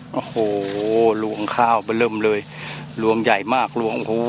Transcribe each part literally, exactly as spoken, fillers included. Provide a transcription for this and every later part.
โอ้โหรวงข้าวเริ่มเลยรวงใหญ่มากรวงโอ้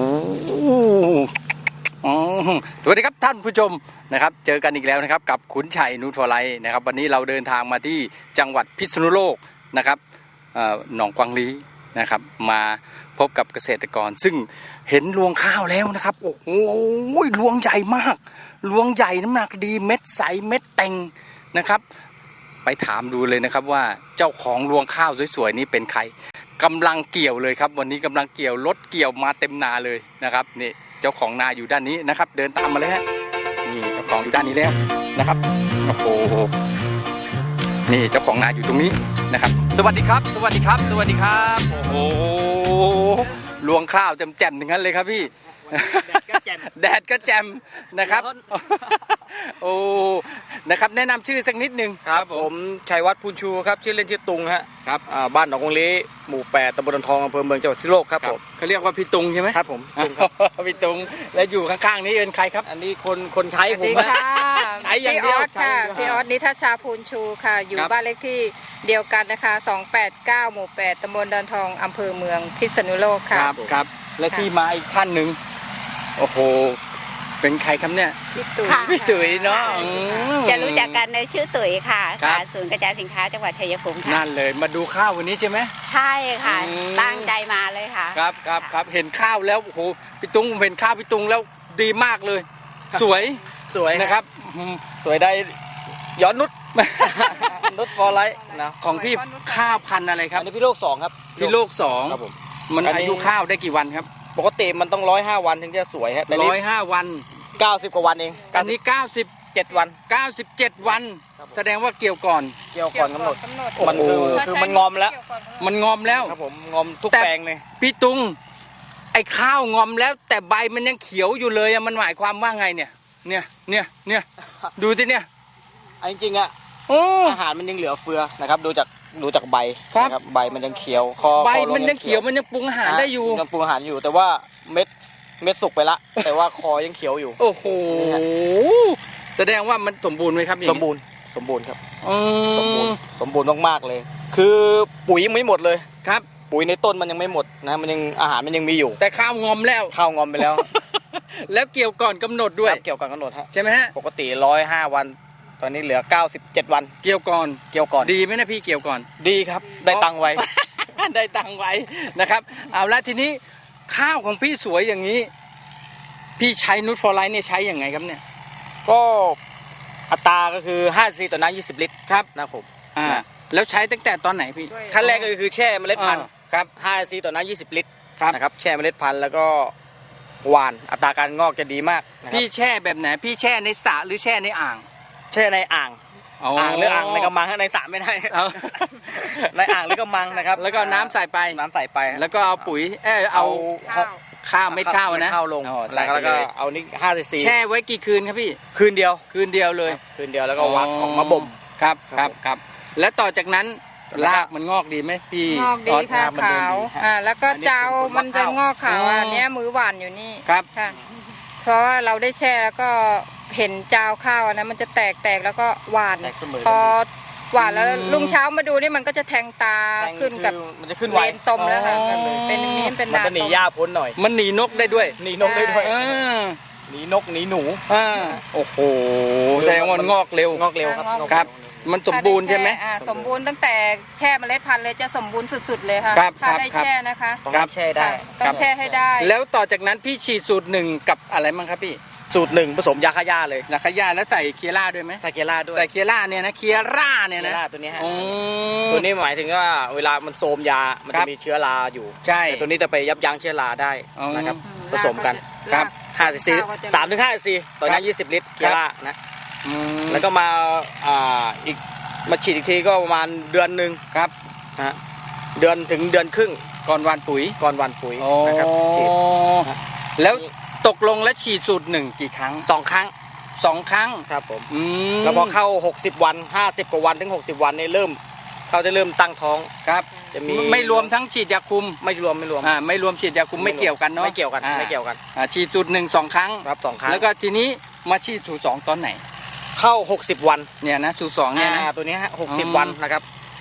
โหสวัสดีครับท่านผู้ชมนะครับเจอกันอีกแล้วนะครับกับขุนชัยนูตฟอร์ไลท์นะครับวันนี้เราเดินทางมาที่จังหวัดพิษณุโลกนะครับหนองกวางลีนะครับมาพบกับเกษตรกรซึ่งเห็นรวงข้าวแล้วนะครับโอ้โหรวงใหญ่มากรวงใหญ่น้ำหนักดีเม็ดใสเม็ดเต็งนะครับไปถามดูเลยนะครับว่าเจ้าของรวงข้าวสวยๆนี้เป็นใครกำลังเกี่ยวเลยครับวันนี้กำลังเกี่ยวรถเกี่ยวมาเต็มนาเลยนะครับนี่เจ้าของนาอยู่ด้านนี้นะครับเดินตามมาเลยฮะนี่เจ้าของอยู่ด้านนี้แล้วนะครับโอ้โหนี่เจ้าของนาอยู่ตรงนี้นะครับสวัสดีครับสวัสดีครับสวัสดีครับโอ้โหรวงข้าวแจ่มๆอย่างนั้นเลยครับพี่แดดก็แจ่มนะครับโอ้นะครับแนะนำชื่อสักนิดนึงครับผมชัยวัฒน์พูนชูครับชื่อเล่นชื่อตุงฮะครับบ้านหนองกงลีหมู่แปดตำบลดอนทองอำเภอเมืองจังหวัดพิษณุโลกครับผมเขาเรียกว่าพี่ตุงใช่ไหมครับผมพี่ตุงและอยู่ข้างๆนี้เป็นใครครับอันนี้คนคนใช้ผมใช้อย่างเดียวค่ะพี่ออสนิทัชชาพูนชูค่ะอยู่บ้านเลขที่เดียวกันนะคะสองแปดเก้าหมู่แปดตำบลดอนทองอำเภอเมืองพิษณุโลกค่ะครับครับและที่มาอีกท่านหนึ่งโอ้โหเป็นใครครับเนี่ยพี่ตุ๋ยพี่ตุ๋ยเนาะจะรู้จักกันในชื่อตุ๋ยค่ะค่ะศูนย์กระจายสินค้าจังหวัดชัยภูมิค่ะนั่นเลยมาดูข้าววันนี้ใช่ไหมใช่ค่ะตั้งใจมาเลยค่ะครับครับครับเห็นข้าวแล้วโอ้โหพี่ตุ้งเห็นข้าวพี่ตุ้งแล้วดีมากเลยสวยสวยนะครับสวยได้ย้อนนุชนุชฟอร์ไลท์นะของพี่ข้าวพันธุ์อะไรครับอันนี้พี่โลกสองครับพี่โลกสองครับผมมันอายุข้าวได้กี่วันครับปกติมันต้องร้อยห้าวันถึงจะสวยฮะร้อยห้าวันเก้าสิบกว่าวันเองอันนี้เก้าสิบเจ็ดวันเก้าสิบเจ็ดวันแสดงว่าเกี่ยวก่อนเกี่ยวก่อนกำหนดมันคือคือมันงอมแล้วมันงอมแล้วครับผมงอมทุกแปลงเลยพี่ตุงไอ้ข้าวงอมแล้วแต่ใบมันยังเขียวอยู่เลยมันหมายความว่าไงเนี่ยเนี่ยเนี่ยเนี่ยดูสิเนี่ยจริงๆอ่ะอาหารมันยังเหลือเฟือนะครับดูจากดูจากใบนะครับใบมันยังเขียวคอใบมันยังเขียวมันยังปรุงอาหารได้อยู่ยังปรุงอาหารอยู่แต่ว่าเม็ดเม็ดสุกไปละแต่ว่าคอยังเขียวอยู่โอ้โหแสดงว่ามันสมบูรณ์ไหมครับสมบูรณ์สมบูรณ์ครับสมบูรณ์สมบูรณ์มากๆเลยคือปุ๋ยยังไม่หมดเลยครับปุ๋ยในต้นมันยังไม่หมดนะมันยังอาหารมันยังมีอยู่แต่ข้าวงอมแล้วข้าวงอมไปแล้วแล้วเกี่ยวก่อนกำหนดด้วยเกี่ยวก่อนกำหนดฮะใช่ไหมฮะปกติร้อยห้าวันตอนนี้เหลือเก้าสิบเจ็ดวันเกี่ยวก่อนเกี่ยวก่อนดีไหมนะพี่เกี่ยวก่อนดีครับได้ตังค์ไว้ได้ตังค์ไว้นะครับเอาละทีนี้ข้าวของพี่สวยอย่างนี้พี่ใช้นูตฟอร์ไลท์เนี่ยใช้อย่างไงครับเนี่ยก็อัตราก็คือห้าซีต่อน้ำยี่สิบลิตรครับนะผมอ่าแล้วใช้ตั้งแต่ตอนไหนพี่ขั้นแรกก็คือแช่เมล็ดพันธุ์ครับห้าซีต่อน้ำยี่สิบลิตรนะครับแช่เมล็ดพันธุ์แล้วก็หวานอัตราการงอกจะดีมากพี่แช่แบบไหนพี่แช่ในสระหรือแช่ในอ่างแช่ในอ่างอ่างหรืออ่างในกระมังในสระไม่ได้ในอ่างหรือกระมังนะครับแล้วก็น้ำใส่ไปน้ำใส่ไปแล้วก็เอาปุ๋ยเออเอาข้าวเม็ดข้าวนะข้าวลงแล้วก็เอานี่ห้าซีแช่ไว้กี่คืนครับพี่คืนเดียวคืนเดียวเลยคืนเดียวแล้วก็วักออกมาบ่มครับครับครับแล้วต่อจากนั้นรากมันงอกดีไหมพี่งอกดีค่ะขาวอ่าแล้วก็เจ้ามันจะงอกขาวอันนี้มือหวานอยู่นี่ครับค่ะเพราะว่าเราได้แช่แล้วก็เห็นเจ้าข้าวนะมันจะแตกแตกแล้วก็หวานพอหวานแล้วรุ่งเช้ามาดูนี่มันก็จะแทงตาขึ้นกับมันจะขึ้นเลนตมแล้วค่ะเป็นมีมเป็นดามันจะหนีหญ้าพ้นหน่อยมันหนีนกได้ด้วยหนีนกได้ด้วยหนีนกหนีหนูอ่าโอ้โหแสดงว่ามันงอกเร็วงอกเร็วครับครับมันสมบูรณ์ใช่ไหมสมบูรณ์ตั้งแต่แช่เมล็ดพันธุ์เลยจะสมบูรณ์สุดๆเลยค่ะถ้าได้แช่นะคะครับแช่ได้ต้องแช่ให้ได้แล้วต่อจากนั้นพี่ฉีดสูตรหนึ่งกับอะไรมั้งครับพี่สูตรหนึ่งผสมยาฆ่าหญ้าเลยยาฆ่าหญ้าแล้วใส่เคียร่าด้วยไหมใส่เคียร่าด้วยใส่เคียร่าเนี่ยนะเคียร่าเนี่ยนะตัวนี้ฮะตัวนี้หมายถึงว่าเวลามันโทมยามันจะมีเชื้อราอยู่ใช่แต่ตัวนี้จะไปยับยั้งเชื้อราได้นะครับผสมกันครับห้าซีสามถึงห้าซีต่อน้ำยี่สิบลิตรเคียร่านะแล้วก็มาอ่าอีกมาฉีดอีกทีก็ประมาณเดือนหนึ่งครับนะเดือนถึงเดือนครึ่งก่อนวันปุ๋ยก่อนวันปุ๋ยนะครับฉีดแล้วตกลงและฉีดสูตรหนึ่งกี่ครั้งสองครั้งสองครั้งครับผมแล้วพอเข้าหกสิบวันห้าสิบกว่าวันถึงหกสิบวันนี่เริ่มเขาจะเริ่มตั้งท้องครับจะมีไม่รวมทั้งฉีดยาคุมไม่รวมไม่รวมอ่าไม่รวมฉีดยาคุมไม่เกี่ยวกันเนาะไม่เกี่ยวกันไม่เกี่ยวกันอ่าฉีดสูตรหนึ่งสองครั้งครับสองครั้งแล้วก็ทีนี้มาฉีดสูตรสองตอนไหนเข้าหกสิบวันเนี่ยนะสูตรสองเนี่ยนะตัวนี้ฮะหกสิบวันนะครับ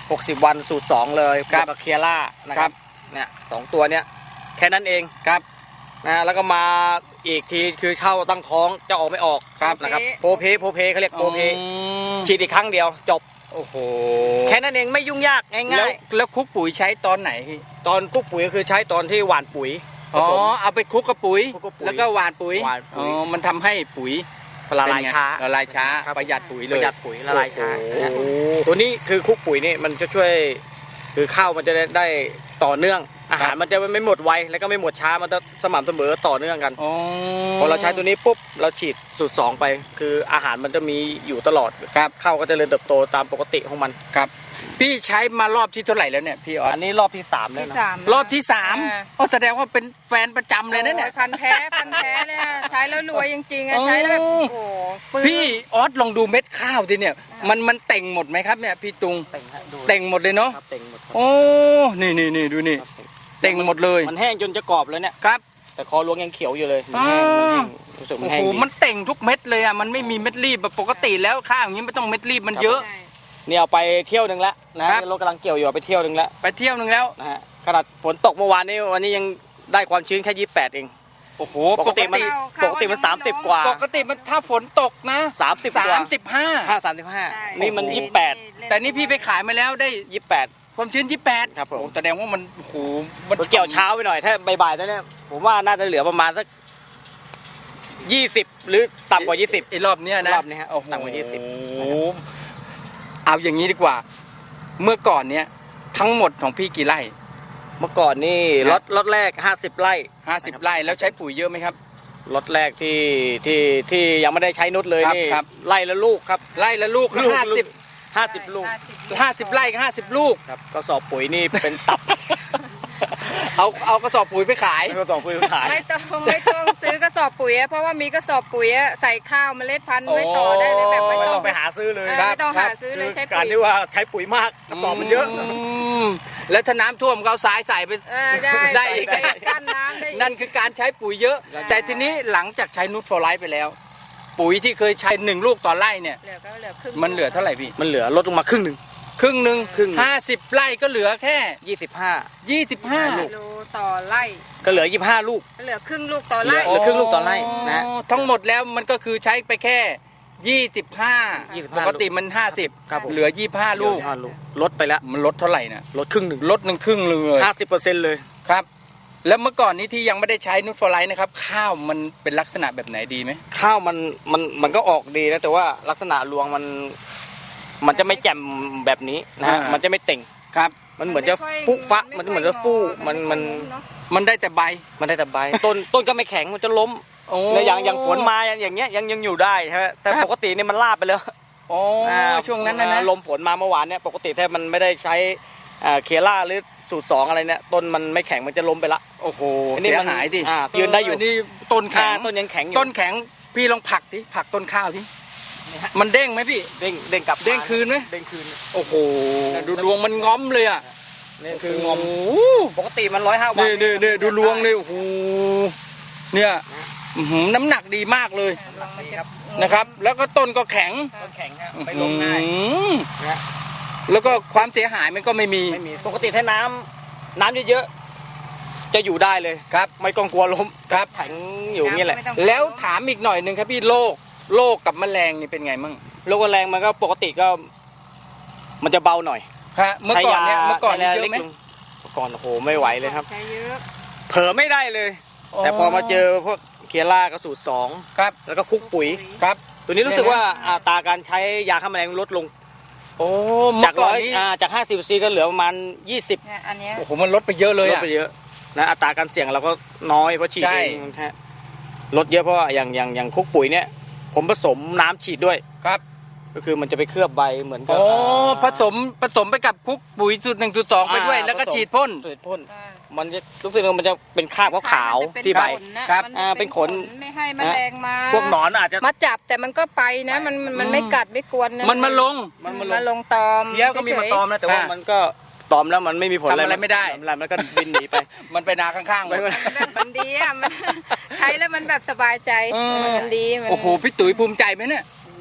หกสิบวันสูตรสองเลยครับกับเคียร่านะคครัรับบ เนี่ยสองตัวเนี้ยแค่นั้นเองครับนะแล้วก็มาอีกทีคือเช่าตั้งท้องจะออกไม่ออกครับนะครับโพเพโพเพเขาเรียกโพเพอืมฉีดอีกครั้งเดียวจบโอ้โหแค่นั้นเองไม่ยุ่งยากง่แล้วายแล้วคลุกปุ๋ยใช้ตอนไหนพี่ๆตอนคุกปุ๋ยก็คือใช้ตอนที่หว่านปุ๋ยผอ๋อสมเอาไปคลุกกับปุ๋ยคลุกกับปุ๋ยแล้วก็หว่านปุ๋ยหว่านปุ๋อ๋ยอมันทำให้ปุ๋ยละลายเป็นไงช้าละลายช้าครับประหยัดปุ๋ยเลปยระหยัดปุ๋ยละลายช้าโอ้โหตัวนี้คือคุกปุ๋ยนี่มันจะช่วยคือข้าวมันจะได้ได้ต่อเนื่อง อาหารมันจะไม่หมดไวแล้วก็ไม่หมดช้ามันจะสม่ำเสมอต่อเนื่องกันอ๋อพอเราใช้ตัวนี้ปุ๊บเราฉีดสูตรสองไป คืออาหารมันจะมีอยู่ตลอดครับข้าวก็จะเจริญเติบโตตามปกติของมันครับพี่ใช้มารอบที่เท่าไหร่แล้วเนี่ยพี่ออสอันนี้รอบที่สามแล้วที่นะสามรอบที่สามอ่าอ๋อแสดงว่าเป็นแฟนประจำเลยนะเนี่ยโอ้พันแท้พันแท้เลยอะใช้แล้วรวยจริงๆอะใช้แล้วแบบโอ้โอ้โหปื้มพี่ออสลองดูเม็ดข้าวทีเนี่ยมันมันเต่งหมดไหมครับเนี่ยพี่ตุงเต่งฮะดูเต่งหมดเลยเนาะครับเต่งหมดครับโอ้นี่นี่นี่ดูนี่ครับเต่งหมดเลยมันแห้งจนจะกรอบเลยเนี่ยครับแต่คอรวงยังเขียวอยู่เลยมันแห้งมันแห้งรู้สึกมัโอ้นแห้โหงดีมันเต่งทุกเม็ดเลยอ่ะมันไม่มีเม็ดรีบแบบปกติแล้วข้าวอย่างนี้ไม่ต้องเม็ดรีบมันเยอะใช่นี่เอาไปเที่ยวหนึ่งแล้วนะครับ รถกำลังเกี่ยวอยู่เอาไปเที่ยวหนึ่งแล้วไปเที่ยวหนึ่งแล้วนะฮะขนาดฝนตกเมื่อวานนี้วันนี้ยังได้ความชื้นแค่ยี่สิบแปดเองโอ้โหปกติมันข้าวปกติมันข้าวสามสิบกว่าปกติมันถ้าฝนตกนะสามสิบกว่าสามสิบห้าห้าสามสิบห้าใช่นี่มันโอ้โหยี่สิบแปดแต่นี่พี่ไปขายมาแล้วได้ยี่สิบแปดความชื้นยี่สิบแปดครับผมโอ้แสดงว่ามันโอ้โหมันเกี่ยวเช้าไปหน่อยถ้าบ่ายๆตอนนี้ผมว่าน่าจะเหลือประมาณสักยี่สิบหรือต่ำกว่ายี่สิบไอ้รอบเนี้ยนะรอบนี้ฮะโอ้โหต่ำกว่ายี่สิบโอ้โหเอาอย่างนี้ดีกว่า เมื่อก่อนเนี้ยทั้งหมดของพี่กี่ไร่เมื่อก่อนนี่ครรับถรถแรกห้าสิบไร่ห้าสิบไร่แล้วใช้ปุ๋ยเยอะไหมครับรถแรกที่ที่ที่ยังไม่ได้ใช้นุชเลยครับนี่ครับไร่ละลูกครับไร่ละลูกลูกห้าสิบห้าสิบลูกห้าสิบไร่ก็ห้าสิบลูกครับก็สอบปุ๋ยนี่เป็นตับเอาเอากระสอบปุ๋ยไปขายก็สอบปุ๋ยขายไม่ต้องไม่ต้องซื้อกระสอบปุ๋ยอะเพราะว่ามีกระสอบปุ๋ยอะใส่ข้าวเมล็ดพันธุ์ไว้ต่อได้เลยแบบไม่ไม่ต้ต้ออง งไปหาซื้อเลยเออครับไม่ต้องหาซื้อเลยใช้กาปุ๋รยที่ว่าใช้ปุ๋ยมากกระสอบมันเยอะมแล้วถ้าน้ำท่วมก็เอาสายใส่ไปเออได้ได้อีกใส่กั้นน้ำได้อีกนั่นคือการใช้ปุ๋ยเยอะใช่แต่ทีนี้หลังจากใช้นูตฟอร์ไลท์ไปแล้ว ปุ๋ยที่เคยใช้หนึ่งลูกต่อไร่เนี่ยเหลือก็เหลือครึ่งมันเหลือเท่าไหร่พี่มันเหลือลดลงมาครึ่งหนึ่งครึ่งหนึ่งครึ่งห้าสิบไร่ก็เหลือแค่ยี่สิบห้ายี่สิบห้ากิโลต่อไร่ก็เหลือยี่สิบห้าลูกเหลือครึ่งลูกต่อไร่เหลือครึ่งลูกต่อไร่นะอ๋อทั้งหมดแล้วมันก็คือใช้ไปแค่ยี่สิบห้ายี่สิบปห้ากติมันห้าสิบครับผมเหลือยี่สิบห้าลูกยี่สิบห้าลูกลดไปแล้วมันลดเท่าไหร่นะลดครึ่งหนึ่งลดหนึ่งครึ่งเลยห้าสิบเปอร์เซ็นต์เลยครับ แล้วเมื่อก่อนนี้ที่ยังไม่ได้ใช้นูตฟอร์ไลท์นะครับข้าวมันเป็นลักษณะแบบไหนดีไหมข้าวมันมันมันก็ออกดีนะแต่ว่าลักษณะรวงมัน มันจะไม่แจ่มแบบนี้นะฮะมันจะไม่เต่งครับมันเหมือนจะฟุฟะมันเหมือนจะฟู่มันมันมันได้แต่ใบมันได้แต่ใบ ต้นต้นก็ไม่แข็งมันจะล้มโอ้แล้วอย่างอย่างฝนมาอย่างเงี้ยยังยังอยู่ได้ใช่ไหมแต่ครับปกติเนี่ยมันลาบไปแล้วโอ้อ่าช่วงนั้นนะนะลมฝนมาเมื่อวานเนี่ยปกติถ้ามันไม่ได้ใช้อ่าเคล่าหรือสูตรสองอะไรเนี่ยต้นมันไม่แข็งมันจะล้มไปละโอ้โหอันนี้เสียมันหายดิอ่ายืนได้อยู่นนี้ต้นแข็อ่าง ต้นยังแข็งอยู่ต้นแข็งพี่ลองผลักดิผลักต้นข้าวที่นี่ฮะมันเด้งไหมพี่เด้งเด้งกลับเด้งคืนไหมเด้งคืนโอ้โหดูรวงมันง้อมเลยอ่ะนี่คืองอมโโหปกติมันร้อยห้าวันนี่นี่นี่ดูรวงเลยโอ้โหเนี่ยอื้อหือน้ำหนักดีมากเลยนะครับ แล้วก็ต้นก็แข็งต้นแข็งฮะไม่ล้มง่ายอื้อหือนะแล้วก็ความเสียหายมันก็ไม่มีไม่มีปกติถ้าน้ำน้ำเยอะๆจะอยู่ได้เลยครับไม่ต้องกลัวล้มครับแข็งอยู่อย่างนี้แหละไม่ต้องแล้วถามอีกหน่อยหนึ่งครับพี่โรคโรคกับแมลงนี่เป็นไงมั่งโรคแรงมันก็ปกติก็ มันจะเบาหน่อยฮะเมื่อก่อนเนี่ยใช้าเมื่อก่อนนี่ใช้าเยอะไหมล็กลงเมื่อก่อนโอ้โหไม่ไหวเลยครับใช้เยอะเผลอไม่ได้เลย แต่พอมาเจอพวกเคียร่ากระสูตรสองครับแล้วก็คลุกปุ๋ยครับตัวนี้รู้สึกว่าอัตราการใช้ยาฆ่าแมลงลดลงโอ้เมื่จากอก่อร้นอยนี้อ่าจากห้าสิบซีก็เหลือประมาณยี่สิบเนี่ยอันเนี้ยโอ้โหมันลดไปเยอะเลยลดอ่ะไปเยอะนะอัตราการเสี่ยงเราก็น้อยเพราะฉีดใช่เองนะฮะลดเยอะเพราะว่าอย่างอย่างอย่างคลุกปุ๋ยเนี่ย ผมผสมน้ำฉีดด้วยครับก็คือมันจะไปเคลือบใบเหมือนกัโอ้ผสมผสมไปกับคุกปุ๋ยสูตรหนึ่งสูตรสองไปด้วยอ่าแล้วก็ผสมฉีดพ่นฉีดพ่นอ่ามันจะรู้สึกว่ามันจะเป็นคราบขาวๆที่ใบครับมันอ่าจะเป็นขนไม่ให้แมลงมาพวกหนอนอาจจะมาจับแต่มันก็ไปนะ มันมันมันไม่กัดไม่กวนนะมันมาลงมันมัมาน ลงมาลงตอมเพี้ยก็มีมาตอมนะแต่ว่าอ่ามัมันก็ตอมแล้วมันไม่มีผลทำอะไรไม่ได้ทำอะไรมันก็บินหนีไปมันไปนาข้างๆหมดแบบมันดีอ่ะมัน ใช้แล้วมันแบบสบายใจเออมันดีมันโอ้โหพี่ตุ๋ยภูมิใจไหมเนี่ย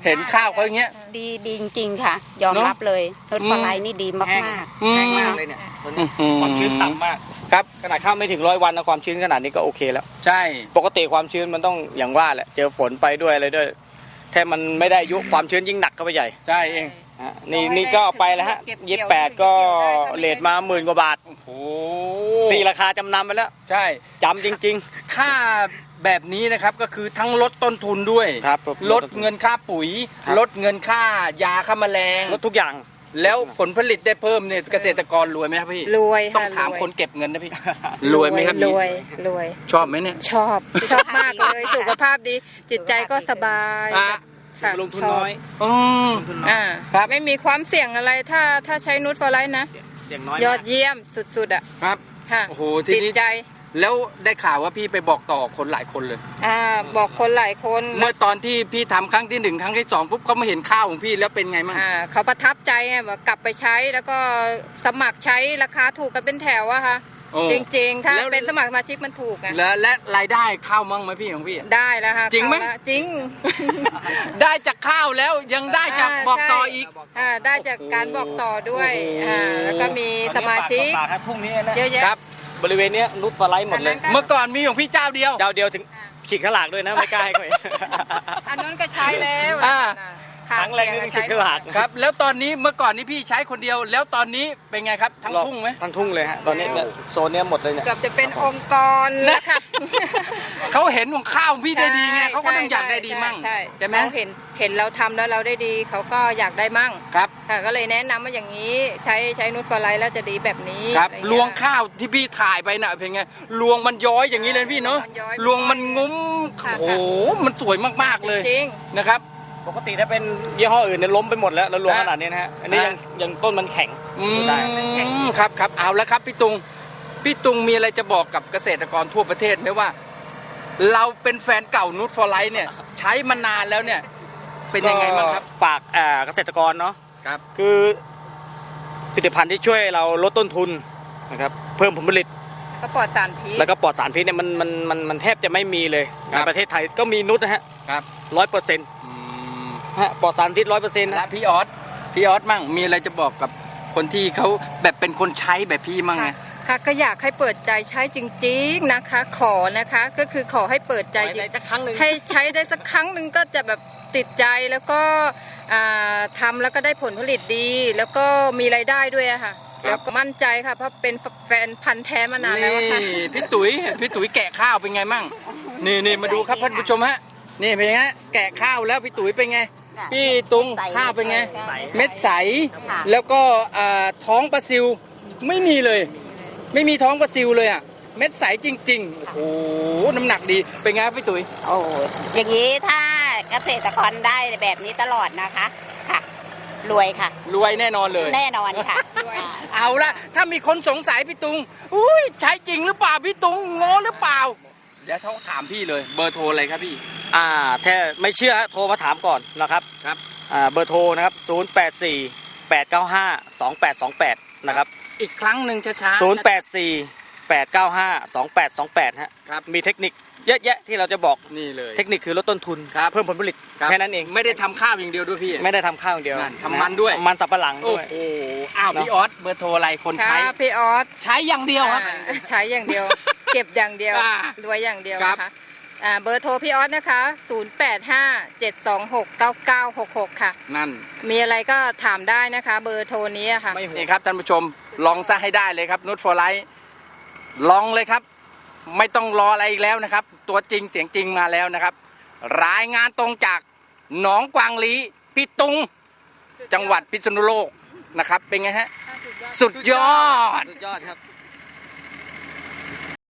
เห็นข้าวเขาอย่างเงี้ยดีดีจริงๆค่ะ ยอมเนอะรับเลยรถอืมปลาไหลนี่ดีมากแห้งมากอืมแห้งมากเลยเนี่ยตัวนี้อืมความชื้นต่ำมากครับขนาดข้าวไม่ถึงร้อยวันนะความชื้นขนาดนี้ก็โอเคแล้วใช่ปกติความชื้นมันต้องอย่างว่าแหละเจอฝนไปด้วยอะไรด้วยแค่มันไม่ได้อายุความชื้นยิ่งหนักเข้าไปใหญ่ใช่เองฮะนี่นี่ก็เอาไปแล้วฮะยี่สิบแปดก็เลทมาหมื่นกว่าบาทโอ้โหตีราคาจำนำไปแล้วใช่จำจริงค่าแบบนี้นะครับก็คือทั้งลดต้นทุนด้วยๆ ครับลดเงินค่าปุ๋ยครับลดเงินค่ายาฆ่าแมลงลดทุกอย่างแล้วผลผลิตได้เพิ่มเนี่ยเกษตรกรรวยไหมครับพี่รวยต้องค่ะถามรวยคนเก็บเงินนะพี่ รวยไหมครับรพี่วยรวยชอบไหมเนี่ยชอบชอบมากเลยสุขภาพดี จิตใจก็สบายอ่ะค่ะลงทุนน้อยอืมลงทุนน้อยอ่าครับไม่มีความเสี่ยงอะไรถ้าถ้าใช้นูตฟอร์ไลท์นะเสี่ยงน้อยยอมาดกเยี่ยมสุดๆอ่ะครับค่ะโอ้โหทีติดนี้ใจแล้วได้ข่าวว่าพี่ไปบอกต่อคนหลายคนเลยอ่าบอกคนหลายคนเมื่อตอนที่พี่ทำครั้งที่หนึ่งครั้งที่สองปุ๊บเขามาเห็นข้าวของพี่แล้วเป็นไงมั่งอ่าเขาประทับใจไงบอกกลับไปใช้แล้วก็สมัครใช้ราคาถูกกันเป็นแถวอะค่ะโอ้จริงๆ ถ้าแล้วเป็นสมัครสมาชิกมันถูกไงแล้วและรายได้ข้าวมั่งไหมพี่ของพี่ได้แล้วค่ะจริงไหมเข้าแล้วจริงได้จากข้าวแล้วยังได้จากอ่าบอกต่อใช่อีกอ่าได้จากการบอกต่อด้วยโอ้โหอ่าแล้วก็มีสมาชิกตอนนี้ปากต่อปากครับพรุ่งนี้นะเยอะแยะครับบริเวณเนี้ยนุชปลาไหลหมดเลยอันนั้นก็เมื่อก่อนมีของพี่เจ้าเดียวเจ้าเดียวถึงฉีกขลากด้วยนะไม่กล้าให้เขาเห็นอันนั้นก็ใช้แล้วอ่าค่ะครั้งแรกนี่ฉีกขลากครับ แล้วตอนนี้เมื่อก่อนนี้พี่ใช้คนเดียว แล้วตอนนี้เป็นไงครับทั้งทุ่งไหมทั้งทุ่งเลยฮะตอนนี้เนี่ยโซนเนี้ยหมดเลยเนี่ยเกือบจะเป็นองค์กรแล้วค่ะเขาเห็นของข้าวของพี่ได้ดีไงใช่เขาก็ต้องอยากได้ดีมั่งใช่ใช่ไหมเขาเห็นเห็นเราทำแล้วเราได้ดีเขาก็อยากได้มั่งครับค่ะก็เลยแนะนำว่าอย่างนี้ใช้ใช้นูตฟอร์ไลท์แล้วจะดีแบบนี้ครับอะไรลเงี้วย งข้าวที่พี่ถ่ายไปน่ะเป็นไงลวงมันย้อยอย่างนี้เลยพี่เนาะมันย้อยลวงมันงุ้มค่ะโอ้โหมันสวยมากๆเลยจริงนะครับปกติถ้าเป็นยี่ห้ออื่นเนี่ยล้มไปหมดแล้วแล้วรวมฮะขนาดนี้นะฮะอันนี้ยังฮะยังต้นมันแข็งอืดูได้มครับครับเอาแล้วครับพี่ตุงพี่ตุงมีอะไรจะบอกกับเกษตรกรทั่วประเทศไหมว่า เราเป็นแฟนเก่านูตฟอร์ไลท์เนี่ย ใช้มานานแล้วเนี่ย เป็นยังไงบ้างครับฝากอ่าเกษตรกรเนาะครับคือผลิตภัณฑ์ที่ช่วยเราลดต้นทุนนะครับเพิ่มผลผลิตๆก็ปลอดสารพิษแล้วก็ปลอดสารพิษเนี่ยมันมันมันมันแทบจะไม่มีเลยครัในบประเทศไทยก็มีนุชนะฮะครับร้อยเปอร์เซ็นต์อืมฮะปลอดสารพิษร้อยเปอร์เซ็นต์และนะพี่ออสพี่ออสมั่งมีอะไรจะบอกกับคนที่เขาแบบเป็นคนใช้แบบพี่มั่งไงค่ะค่ะก็อยากให้เปิดใจใช้จริงๆนะคะ ขอนะคะก็คือขอให้เปิดใจจริงสักครั้งหนึ่งให้ใช้ได้สักครั้งหนึ่งก็จะแบบติดใจแล้วก็อ่าทำแล้วก็ได้ผลผลิตดี แล้วก็มีรายได้ด้วยอะค่ะครับแล้วก็มั่นใจค่ะเพราะเป็นแฟนพันธุ์แท้มานานแล้วอะค่ะนี่พี่ตุ๋ยพี่ตุ๋ยแกะข้าวเป็นไงมั่งนี่นี่มาดูครับท่านผู้ชมฮะนี่เป็นไงฮะแกะข้าวแล้วพี่ตุ๋ยเป็นไง พี่ตุงข้าวเป็นไง เม็ดใสค่ะแล้วก็อ่าท้องปลาซิวไม่มีเลย ไม่มีท้องปลาซิวเลยอ่ะเม็ดใสจริงๆโอ้โหน้ำหนักดีเป็นไงครับพี่ตุ๋ยโอ้อย่างนี้ถ้าเกษตรกรได้แบบนี้ตลอดนะคะค่ะ รวยค่ะรวยแน่นอนเลยแน่นอนค่ะเอาละถ้ามีคนสงสัยพี่ตุงอุ้ยใช้จริงหรือเปล่าพี่ตุงงอหรือเปล่าเดี๋ยวเขาถามพี่เลยเบอร์โทรอะไรครับพี่อ่าถ้าไม่เชื่อโทรมาถามก่อนนะครับครับอ่าเบอร์โทรนะครับศูนย์ แปด สี่ แปด เก้า ห้า สอง แปด สอง แปดนะครับอีกครั้งหนึ่งช้าๆศูนย์ แปด สี่ แปด เก้า ห้า สอง แปด สอง แปดฮะครับมีเทคนิคเยอะแยะที่เราจะบอกนี่เลยเทคนิคคือลดต้นทุนครับเพิ่มผลผลิตรับแค่นั้นเองไม่ได้ทำข้าวอย่างเดียวด้วยพี่ไม่ได้ทำข้าวอย่างเดียวนั่นทำมันด้วยมันสับปะหลังโอ้ด้วยโหอ้าวเนอะพี่ออสเบอร์โทรอะไรคนค่ะใช้พี่ออสใช้อย่างเดียวครับอ่าใช้อย่างเดียว เก็บอย่างเดียวอ่ารวยอย่างเดียวครับนะคะอ่าเบอร์โทรพี่ออสนะคะศูนย์ แปด ห้า เจ็ด สอง หก เก้า เก้า หก หกค่ะนั่นมีอะไรก็ถามได้นะคะ เบอร์โทรนี้อะค่ะไม่ห่วงนี่ครับท่านผู้ชมลองซะให้ได้เลยครับนูตฟอร์ไลท์ลองเลยครับ ไม่ต้องรออะไรอีกแล้วนะครับ ตัวจริงเสียงจริงมาแล้วนะครับ รายงานตรงจากหนองกวางลีพี่ตุงจังหวัดพิษณุโลกนะครับ เป็นไงฮะ สุดยอดสุดยอดครับ